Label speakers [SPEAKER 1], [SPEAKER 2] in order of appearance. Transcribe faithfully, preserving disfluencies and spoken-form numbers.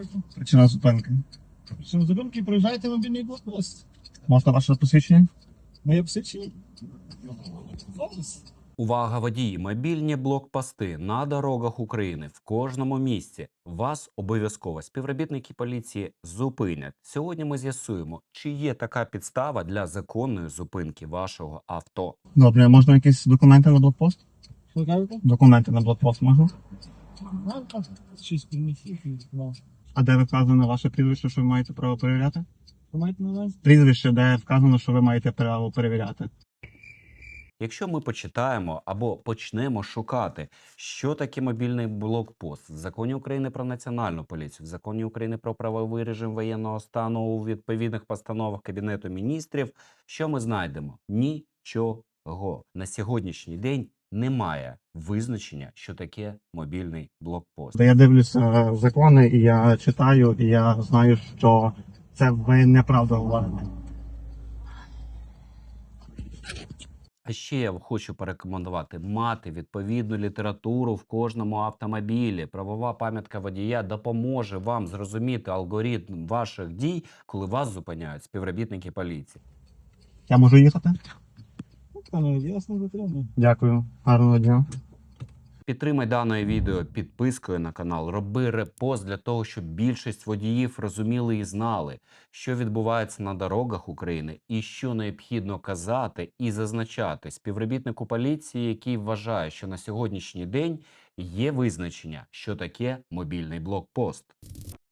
[SPEAKER 1] Причина зупинки.
[SPEAKER 2] Що зупинки проїжджаєте мобільний блокпост.
[SPEAKER 1] Можна ваше посвідчення?
[SPEAKER 2] Моє посвідчення.
[SPEAKER 3] Увага, водії! Мобільні блокпости на дорогах України в кожному місці. Вас обов'язково співробітники поліції зупинять. Сьогодні ми з'ясуємо, чи є така підстава для законної зупинки вашого авто.
[SPEAKER 1] Добре, можна якісь документи на блокпост?
[SPEAKER 2] Що кажете?
[SPEAKER 1] Документи на блокпост можна?
[SPEAKER 2] Ну, так, щось приміщіть. Ну.
[SPEAKER 1] А де вказано ваше прізвище, що ви маєте право перевіряти?
[SPEAKER 2] Ви маєте на увазі?
[SPEAKER 1] Прізвище, де вказано, що ви маєте право перевіряти.
[SPEAKER 3] Якщо ми почитаємо або почнемо шукати, що таке мобільний блокпост в Законі України про національну поліцію, в Законі України про правовий режим воєнного стану, у відповідних постановах Кабінету міністрів, що ми знайдемо? Нічого. На сьогоднішній день немає визначення, що таке мобільний блокпост.
[SPEAKER 1] Я дивлюся закони, і я читаю, і я знаю, що це ви неправду говорите.
[SPEAKER 3] А ще я хочу порекомендувати мати відповідну літературу в кожному автомобілі. Правова пам'ятка водія допоможе вам зрозуміти алгоритм ваших дій, коли вас зупиняють співробітники поліції.
[SPEAKER 1] Я можу їхати?
[SPEAKER 2] Ну, ясно, затримую.
[SPEAKER 1] Дякую. Гарного дня.
[SPEAKER 3] Підтримай дане відео підпискою на канал, роби репост для того, щоб більшість водіїв розуміли і знали, що відбувається на дорогах України і що необхідно казати і зазначати співробітнику поліції, який вважає, що на сьогоднішній день є визначення, що таке мобільний блокпост.